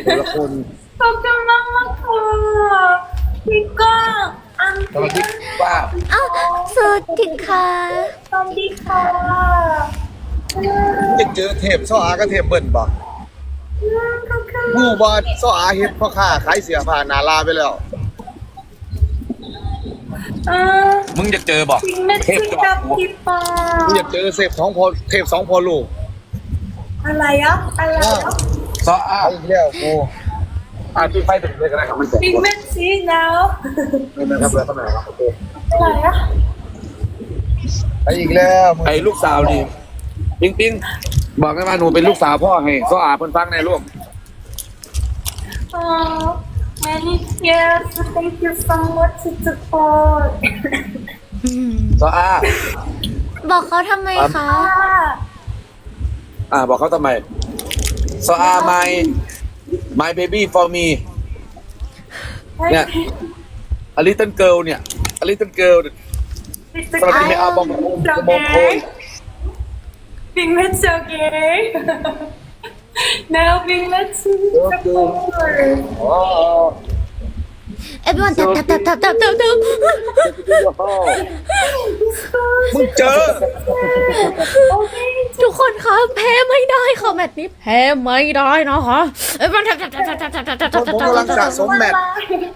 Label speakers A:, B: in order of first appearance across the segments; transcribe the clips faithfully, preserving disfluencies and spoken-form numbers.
A: แต่ละคน
B: ขอบคุณมากมากค่ะพี่ก้องอัน
A: สวัสดีป้า
C: อ้าวสวัสดีค่ะ
B: สวัสดีค่ะ
A: จะเจอเทพซ้ออาก็เทพเบิ้ลบ่
B: ขอบคุณ
A: ฮู้บ่ซ้ออาเฮ็ดพ่อค้าขายเสื้อผ้าหน้าลาไปแล้ว
B: เออ
D: มึงจะเจอบอก
B: จริงไม่จริงกับพี่ปอ
A: มึงอยากเจอเทพสองพอเทพสองพอลูก
B: อะไรอ่ะอะไรอ่ะ
D: ซออ้า
A: เอาอีกแล้วกูอ่ะจุดไฟถึงเลยก็ได้ครับมันแสบ
B: จริงไม่จริงแล้ว
A: ไม่เป็นครับแล้วก็ไหนครับโอเค
B: อะไรอ่ะ
A: ไปอีกแล้วมึง
D: ไอ้ลูกสาวนี่ปิงปิงบอกให้มาหนูเป็นลูกสาวพ่อให้ซออาเพิ่นฟังในลูก
B: อ๋อ many years thank you so much to support
D: ซออา
C: บอกเขาทำไมคะ
D: อ่าบอกเขาทำไมซออา my my baby for me เนี่ย a little girl เนี่ย a little girl สวัสดีไม่เอาบองบองโคย
B: Big Mac okay. Now Big Mac support.
A: อ๋อ
C: everyone ตับตับตับตับตับตับตับ
A: มึงเจอ
B: Okay.
C: ทุกคนคะแพ้ไม่ได้ค่ะแมตช์นี้แพ้ไม่ได้นะคะ everyone ตับตับตับตับตับตับตับตับตับ
A: ผมกำลังสะสมแมตช์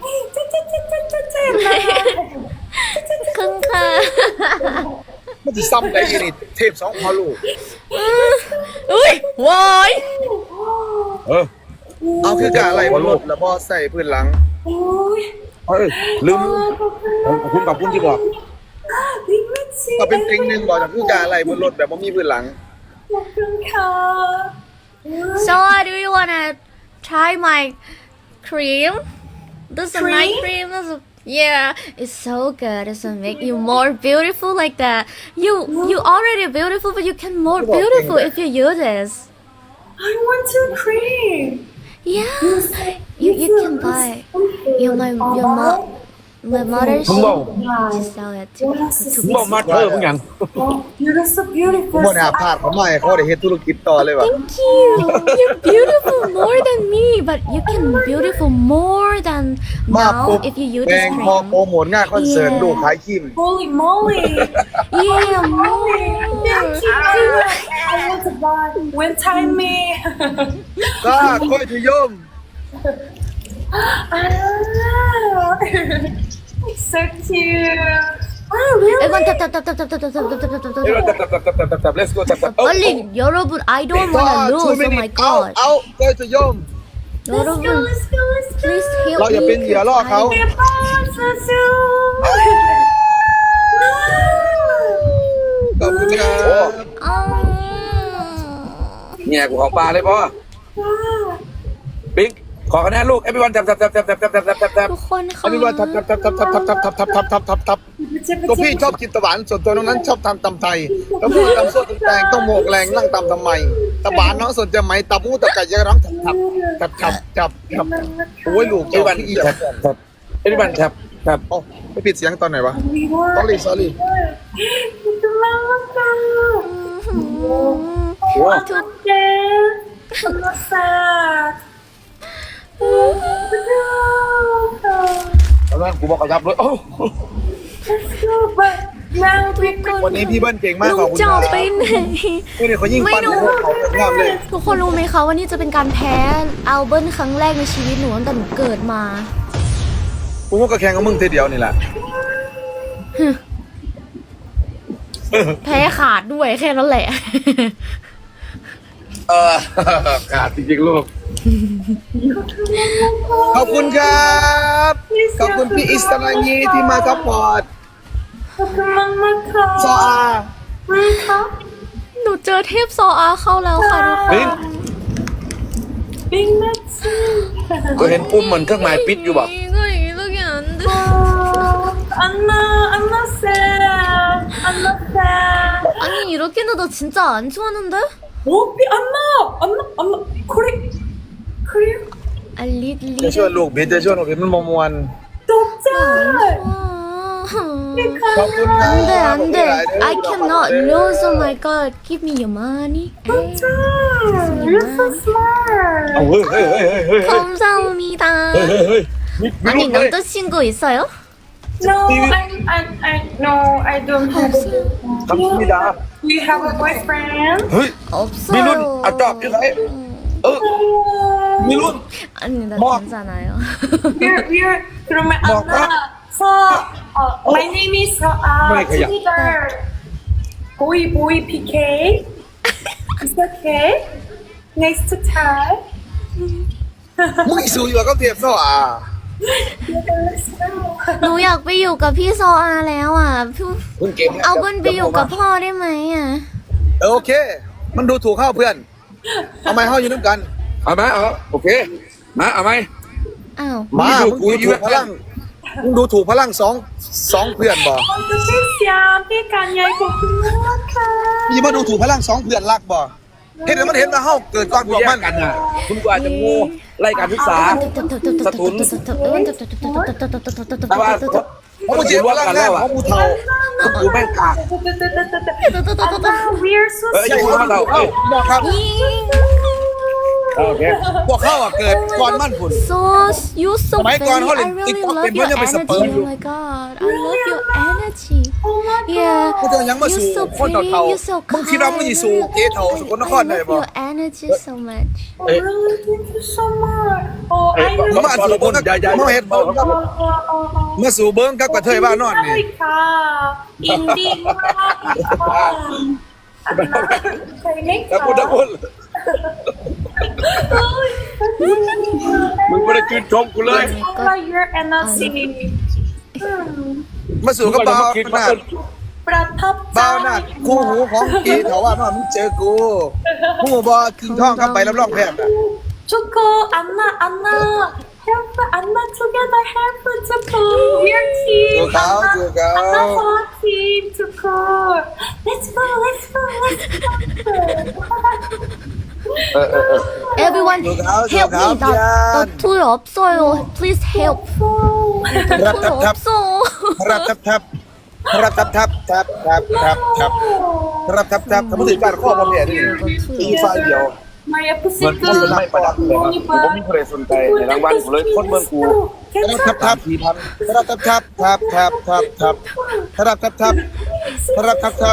C: ครึ่งค่ะ
A: มันจะซ้ำได้ยังนี่เทพสองพอลูก
C: อุ้ย วาย
D: เออ
A: เอาคือกะอะไรบนรถแล้วบอใส่พื้นหลัง
B: Oh.
D: เอ้ยลืมขอบคุณขอบคุณที่บอก
B: Big Mac
A: ก็เป็นติงหนึ่งบอกจากคือกะอะไรบนรถแบบว่ามีพื้นหลัง
C: so uh, do you wanna try my cream this is a night cream this is a, yeah it's so good it's gonna make you more beautiful like that you you already beautiful but you can more beautiful if you use this
B: I want to cream.
C: yeah you you can buy you my your mom my mother she she sell it to, to
D: บอกมาเธอมึงยัง
B: Oh, you're so beautiful.
A: บ่น่าพลาดเขาไม่ให้เขาได้เฮ็ดธุรกิจต่อเลยว่ะ
C: thank you you're beautiful more than me but you can beautiful more than
A: มา
C: now
A: ปุ๊บ
C: if you use
A: แด
C: this
A: งพอ
C: cream
A: โปรโมทงานคอนเสิร์ต
C: Yeah.
A: ลูกขายครีม
B: Holy moly.
C: yeah more
B: Thank you. I want to buy. When time me.
A: ก็ค่อยทยม
B: Ah. So cute. Oh, really?
C: everyone tap tap tap tap tap tap tap tap tap tap tap
D: เดี๋ยว
C: tap
D: ตับตับตับตับตับตับ let's go ตับตับ
C: 빨리 여러분 I don't
A: ก็
C: wanna
A: ทู
C: lose
A: มิ
C: oh
A: นิ
C: my
A: เอา
C: god
A: เอาค่อยทยม
B: Let's go,
C: 여러분
B: let's go, let's go.
C: please help
A: เราอย่าเป็น
C: me
A: เหยื่อล่อเขา
B: Yeah, bye, so soon.
A: ขอบคุณครับ
C: 아.
D: เนี่ยกูของปลาเลยพ่อ
B: Wow.
D: ปิ๊งขอคะแนนลูก everyone ตับตับตับตับตับตับตับตับตับ
C: ทุกคนค่ะ
A: อันนี้ว่าทับทับทับทับทับทับทับทับทับทับทับทับทับตัวพี่ชอบกินตะหวานส่วนตัวน้องนั้นชอบทำตำไทยแล้วพูดตำส้มตำแตงต้องโมกแรงนั่งตำทำไมตะหวานน้องสนใจไหมตะมูตะไก่ยังร้องทับทับทับทับทับทับโอ้ยลูก
D: เอวัน
A: อี
D: แท็บแท็บเอวันแท็บแท็บ
A: โอ้ไม่ปิดเสียงตอนไหนวะ
B: Sorry,
A: sorry sorry
D: โอ้ ตอนนั้นกูบอกกระยับเลยโอ้
A: วันนี้พี่เบิ้ลเก่งมาก
C: ลุ
A: ขอบ
C: ง
A: คุณ
C: จ
A: ค
C: อ
A: รับ
C: ไปไหน
A: ไม่ได้เขายิ่ง
C: ไม่
A: ปั้น
C: รู้
A: เขางามเลย
C: ทุกคนรู้ไหมคะว่านี่จะเป็นการแพ้อัลเบิร์นครั้งแรกในชีวิตหนูตั้งแต่หนูเกิดมา
A: กูก็แข่งกับมึงเทเดียวนี่แหละ
C: แพ้ขาดด้วยแค่นั้นแหละ
D: เออขาดจริงๆลูก
A: ขอบคุณครับขอบคุณพี่อิสรานีที่มาซัพพอร์ตซออา
C: หนูเจอเทพโซอาเข้าแล้วค่ะทุกค
D: ปิ๊
C: น
D: ง
B: Big Mac.
D: ก็เห็นปุ่มเหมือนเครื่องหมายปิดอยู่บอก
C: 이거 이렇게 안 돼.
B: Oh, I'm not, I'm not sad. I'm not sad.
C: 아니 이렇게는 너 진짜 안 좋아하는데?
B: Oh, I'm not, I'm not, I'm not. Korea, Korea.
C: 아 리, 리.
A: จะช่วยลูกเบสจะช่วยลูกเบสมันมมวน
B: Doctor.
C: 아,
A: ขอบคุณครับ
C: 안돼 안돼 I cannot lose oh my god give me your money
B: You're so smart.
D: เอาเฮ้ยเฮ้ยเฮ้ยเฮ้ยเฮ้ย
C: 감사합니다
D: เฮ้ยเฮ้ยมีมีลู
C: 아니
D: กเลย
C: 남자친구 있어요?
B: No, I, I, I, no, I don't have it.
D: คำนิดา
B: You have a boyfriend?
D: เฮ้ย
C: 없어요
D: มีรุ่นอ่ะจอบอยู่ไหนเออมีรุ่น
C: 아니 나
D: 뭐?
C: 괜찮아요
B: We're, we're, 그러면
D: 뭐,
B: Anna, so, uh, my name is uh,
D: 뭐야, 그냥.
B: Twitter. Boy, boy, PK. It's okay. Next time.
A: มึงสูอยู่กับเทียบซะอ่ะ
B: Let's go.
C: หนูอยากไปอยู่กับพี่โซอาแล้วอ่ะพี่
D: เพิ่งเก่ง
C: เอาเบิ้ลไปอยู่กับพ่อได้ไหมอ่ะ
A: เออโอเค มันดูถูกเข้าเพื่อนเอาไม้เข้าอยู่น้ำกัน
D: เอาไหมเอาโอเคมาเอาไหม
C: อ้าว
A: มา
D: มึ
A: มึ
D: ง
A: ง
D: ดู
A: ดู
D: ถู
A: ถู
D: ก
A: กพลังมึงดูถูกพลังสองสองเพื่อนบ่
B: 어떠셨어요? 피칸이야, 고맙다.
A: มีมาดูถูกพลังสองเพื่อนรักบ่เห็นแล้วมันเห็นว่าเฮาเกิดก่อนพ
D: กู
A: วก
D: แย
A: มั
D: ก
A: น
D: กันน่ะคุณกูอาจจะงูไล่การศึกษา สตุน แต่ว่า
A: เพราะมึงเจ็บพลังแน่เพราะมึงเท่า
D: คุณกูแม่งกาก
B: Anna, we are so
D: เอ้ยอย่าพูดว่าเราเอ้า
A: บอกครับ
D: โอเค
A: พวกเขาอ่ะเกิดก่อนมั่นผุน
C: so you so
A: สมัยก่อน
C: very
A: เขาเล่น
C: I really
A: TikTok
C: love
A: เป็น
C: your
A: เพื่อนยังเป็นส
C: energy
A: เปิร์มอยู่
C: oh my god I love your energy yeah
A: มึงจะยังมาสู่
C: you're so
A: คน
C: pretty
A: เท่า
C: you're so
A: ๆมึงคิดว่ามึงสิสู่เก๋เท่าสุกลนคร
C: I
A: ได้
C: love
A: บ่
C: your energy so much
B: Oh, really? Thank you so much. Oh,
D: เอ้ย
B: I
D: บ
B: really
D: อกบอกระบุนใหญ่ใหญ่
A: มาเห็น
D: บอกครับ
B: Uh, uh, uh.
A: มาสู่เบิ้งกับกระเทยบ้านนอนนี่
B: America, India, Japan. Anna,
D: ตะกุนตะกุนมึงไม่ได้ชื่นชมกูเลย
B: I like your energy. Hmm.
A: มาสู่กับเบา
D: คิด
A: หน้า
D: ว่า
B: ประทับใจ
A: เบาหน้าคู่หูของเก๋เท่าว่านอนมึงเจอกูหูบ่กินท่องกับใบรับรองแพทย์อะ
B: Choco, Anna, Anna, help Anna together, help Choco. We're team.
A: เจอเขาเจอเขา
B: Anna for team Choco. Let's go, let's go, let's go.
D: เออเออเออ
C: everyone
A: Look out,
C: help
A: look out,
C: me 나, 나
A: 미안.
C: 토요 없어요 please help 나 토요 없어
A: รับทับทับรับทับทับทับทับทับทับรับทับทับทำให้ถึงการข้อความเนี่ยดิตีไฟเดียว
B: My
D: เหมือน
B: episode
D: คนไม่ประดับเลยครับผมก็มีใครสนใจในรางวัลกูเลยคนเมืองกู
A: รับทับทับทีพันรับทับทับทับทับทับทับรับทับทับรับทับทับ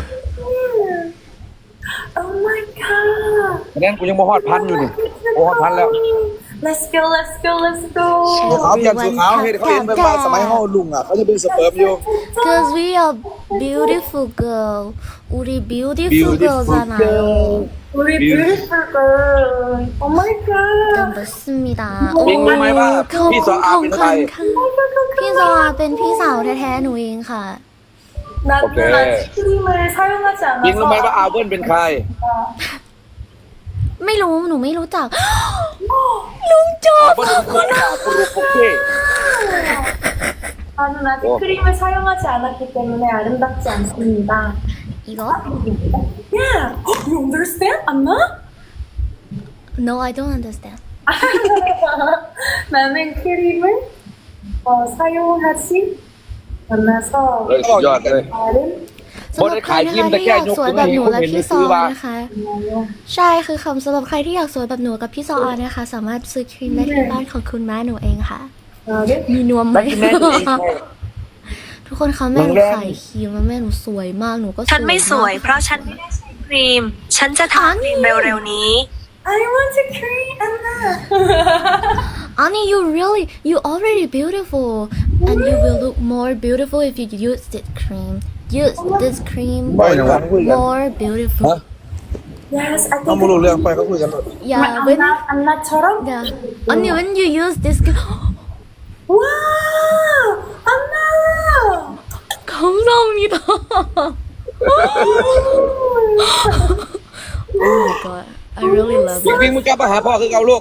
B: Oh my god.
D: คะแนนกูยังบ่ฮอดพันอยู่นี่โอ้ฮอดพันแล้ว
B: Let's go, let's go, let's go.
A: สูขาวเพียนสูขาวเห็นเขาเห็นไปว่าสมัยห้อลุงอ่ะเขาจะเป็นสเปิร์มอยู่
C: Cause we are beautiful girl. 우리 beautiful,
A: Beautiful
C: girl잖아요.
B: 우리 beautiful girl. Oh my god.
C: 네, 맞습니다.
D: ปิงรู้ไหมว่า
C: ขอบ
D: พี่
C: คุ
D: สอ
C: ณ
D: อา
C: ของ
D: เป็น
C: ข
D: ใคร
C: วัญค่ะพี่ซออาเป็นพี่สาวแท้ๆหนูเองค่ะ
B: 나는
D: 오케이.
B: 아이스크림을 사용하지
D: ปิงรู้ไหมว่า
B: 않아서
D: อาเบิ้ลเป็นใคร
C: ไม่รู้หนูไม่รู้จัก ลุงจอ
D: อา
C: บ
D: เบิ้ลคือคนอากูรู้โอเค
B: 나는 아직
D: 어.
B: 크림을 사용하지 않았기 때문에 아름답지 않습니다.
C: 이거?
B: Yeah, you understand, Anna?
C: No, I don't understand.
B: 나는 크림을 어, 사용하지 않아서
D: เลยสุดยอดเลย
B: 아름
C: สำหรับใครนะคะที่อยากสวยแบบหนูและพี่ซอนะคะ ใช่คือคำสำหรับใครที่อยากสวยแบบหนูกับพี่ซออานะคะ สามารถซื้อครีมได้ที่บ้านของคุณแม่หนูเองค่ะ
B: 아름
C: มีนวมไหม
D: แล้วที่แม่ตัวเองไง
C: ทุกคนคะแม่หนู
D: โรงแรม
C: ขายครีมแล้วแม่หนูสวยมากหนูก็สวย
E: ฉันไม่สวย
C: มาก
E: เพราะฉันไม่ได้ใช้ครีม ฉันจะทาครีมเร็วๆนี้
B: I want a cream, Anna.
C: Ani, you really, you already beautiful, and you will look more beautiful if you use this cream. Use this cream
A: บ่อยนะวะคุยกัน
C: more beautiful.
B: Yes, I
A: เขา
B: think
A: ไม่รู้เรื่องไปเขาคุยกันหมด
C: Yeah, when
B: Anna, Anna처럼?
C: yeah, Ani, when you use this cream,
B: Wow, Anna.
C: 감사합니다. Oh my god, I really love
D: ปิง
C: it.
D: ปิงมึงกลับมาหาพ่อคือเก่าลูก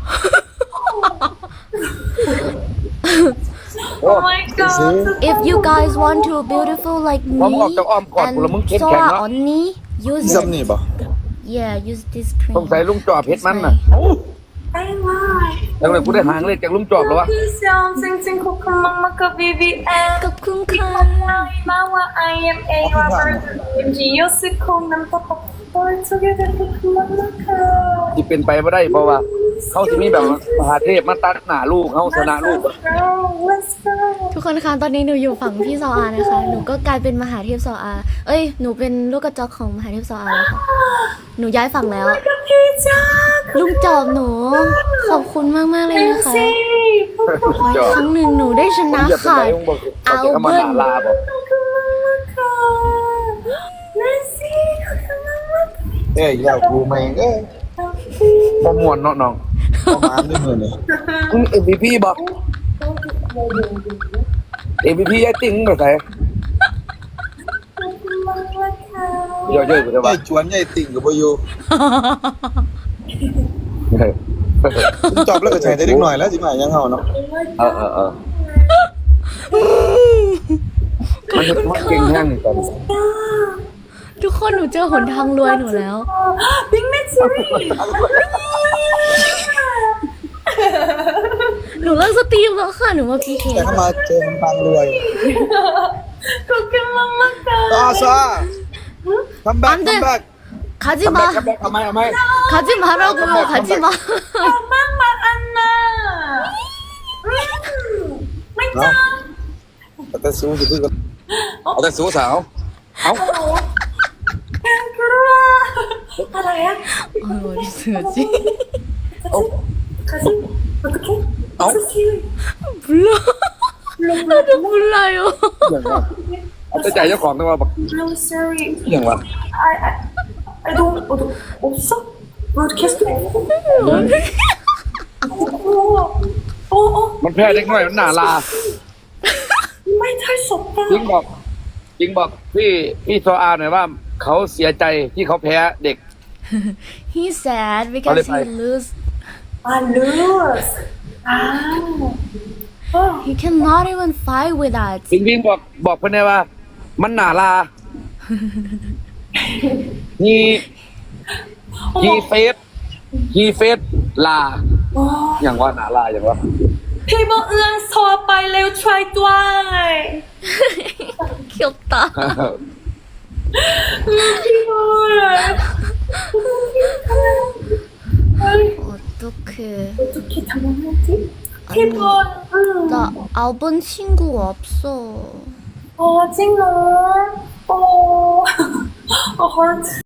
B: Oh my god.
C: If you guys want to beautiful like me
D: พอมึงออกจากอ้อมกอดกูแล้วมึง
C: and
D: เข้มแข็ง
C: Soa
D: เนาะ
C: Oni, use
A: ซัมนี่
C: it.
A: ป่ะ
C: Yeah, use this cream.
D: สงสัยลุงจอบเฮ็ดมันน่ะ
B: I like.
D: เอแล้วเลยกูได้หางเลขจากลุงจอบแล้ววะ
B: พี่เซียวจริงๆขอบคุณมากๆกับ บี บี เอ็ม
C: ขอบคุณค่ะ
B: มาว่า I am a Robert M G ยศิคงน้ำตาปกปอย together ขอบคุณมากๆค่ะ
D: ที่เป็นไปไม่ได้เพราะว่าเขาจะมีแบบมหาเทพมาตัดหน้าลูกเขาชนะลูก
B: Let's go Let's go
C: ทุกคนคะตอนนี้หนูอยู่ฝั่งพี่ซออานะคะ หนูก็กลายเป็นมหาเทพซออา เอ้ย หนูเป็นลูกกระจอกของมหาเทพซออาแล้วค่ะ หนูย้ายฝั่งแล้ว
B: กับพี่จ้า
C: ลุงจอบหนู ขอบคุณมากมากๆเลยนะคะ
B: สิ
C: ขออีกครั้งหนึ่งหนูได้ชนะ
D: อย่าไป
C: ค่ะ
D: ไหนมึงบอกเขาจะเข้ามาหนาลาบอก
B: ขอบคุณมากๆค่ะเลซี่ขอบคุณมากๆ
A: เอ้ยอยากกูไหมเอ้ย
D: บ่มวนเนาะน้อง
A: ประมาณนี้มือเนี่ย
D: มึง เอ็ม วี พี บอก เอ็ม วี พี ยายติ้งไปใส่ย่อยๆไปเถอะ
A: ไอ้
D: วะ
A: ชวนไอ้ติ่งกับพยูจบแล้วก็ใช้ได้เล็กหน่อยแล้วสิมายังเฮาเนาะ
D: เออเออเออมันมันเก่งแห้งกัน
C: ทุกคนหนูเจอหนทางรวยหนูแล้ว
B: บิ๊กแมทซีรีส์
C: หนูเลิกสตรีมแล้วค่ะ หนูมาพีเค
A: แต่เข้ามาเจอคนฟังรวย
B: ขอบคุณมากๆค่ะ
A: ต่อซะคัมแบ็กคัมแบ็ก
C: 가지
D: ทำไม
C: 마.
D: ทำไมทำไมทำไม
C: 가지 말라고. 가지 마.
B: มากมาอันน่ะไม่จ้า
A: แต่สู้จะพูดกัน
D: เอาแต่สู้สาวเอา
B: แกงกลัวอะไรอะ
C: 아, 어디 쓰지?
B: คาซิโอเค
D: เอา
C: 몰라. 나도 몰라요.
D: อย่างวะเอาแต่ใจเจ้าของต้องมาบอก
B: I'm sorry
D: อย่างวะ
B: I I I don't 어, 없어? 브로드캐스트? 어, 어,
D: มันแพ้เด็กน้อยมันหนาลา
B: ไม่ใช่ศพป่ะ
D: จริงบอกจริงบอกพี่พี่โซอาหน่อยว่าเขาเสียใจที่เขาแพ้เด็ก
C: He sad because he
D: Oleh,
C: lose.
B: อ่าลูสอ้าว
C: He cannot even fight with us.
D: จริงจริงบอกบอกเพื่อนได้ว่า มันหนาลาฮีฮีเฟสฮีเฟสลา
B: อ๋อ
D: อย่างว่าหนาลาอย่างว่า
B: พี่บอกเอื้องโทรไปเร็วช่วยด้วย
C: 귀엽다.
B: พี่บอก
C: 어떡해.
B: 어떻게 당황하지?พี่บอลอืม
C: 나 아본 친구 없어.
B: อ๋อจริงเหรอโอ้โอ้ heart